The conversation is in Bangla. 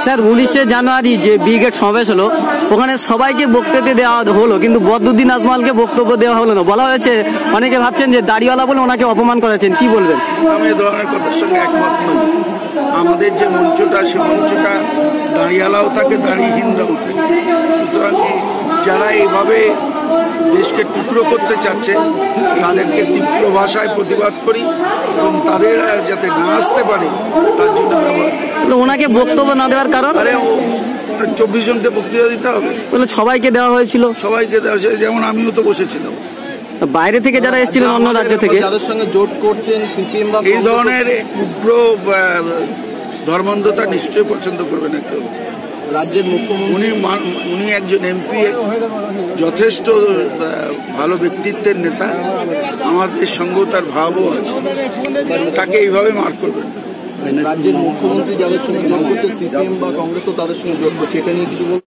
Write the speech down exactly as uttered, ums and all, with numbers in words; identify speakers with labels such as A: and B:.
A: স্যার উনিশে জানুয়ারি যে ব্রিগেড সমাবেশ হলো ওখানে সবাইকে বক্তব্য দেওয়া হলো, কিন্তু বদরুদ্দিন আজমলকে বক্তব্য দেওয়া হলো না। বলা হয়েছে অনেকে ভাবছেন যে দাড়িওয়ালা বলে ওনাকে অপমান করেছেন, কি বলবেন?
B: আমি এই ধরনের কথার সঙ্গে একমত নই। আমাদের যে মঞ্চটা সে মঞ্চটা দাড়িওয়ালাও থাকে, দাড়িহীনরাও থাকে। সুতরাং যারা এইভাবে দেশকে টুকরো করতে চাচ্ছে তাদেরকে তীব্র ভাষায় প্রতিবাদ করি এবং তাদের যাতে না আসতে পারে তার জন্য ব্যবহার।
A: ওনাকে বক্তব্য না দেওয়ার কারণ?
B: আরে ও চব্বিশ জনকে বক্তৃতা দিতে হবে।
A: বলে সবাইকে দেওয়া হয়েছিল।
B: সবাইকে দেওয়া হয়েছিল, যেমন আমিও তো বসেছিলাম।
A: বাইরে থেকে যারা এসেছিলেন অন্য রাজ্য থেকে,
C: যাদের সঙ্গে জোট করছেন সিপিএম বা
B: এই ধরনের উগ্র ধর্মান্ধতা নিশ্চয়ই পছন্দ করবে না কেউ।
C: রাজ্যের মুখ্যমন্ত্রী
B: উনি উনি একজন এমপি, যথেষ্ট ভালো ব্যক্তিত্বের নেতা। আমাদের সঙ্গেও তার ভাবও আছে, তাকে এইভাবে মার করবেন।
C: রাজ্যের মুখ্যমন্ত্রী যাদের সঙ্গে জোট করছে সিপিএম বা কংগ্রেসও তাদের সঙ্গে জোট করছে, এটা নিয়ে কিছু বলবেন?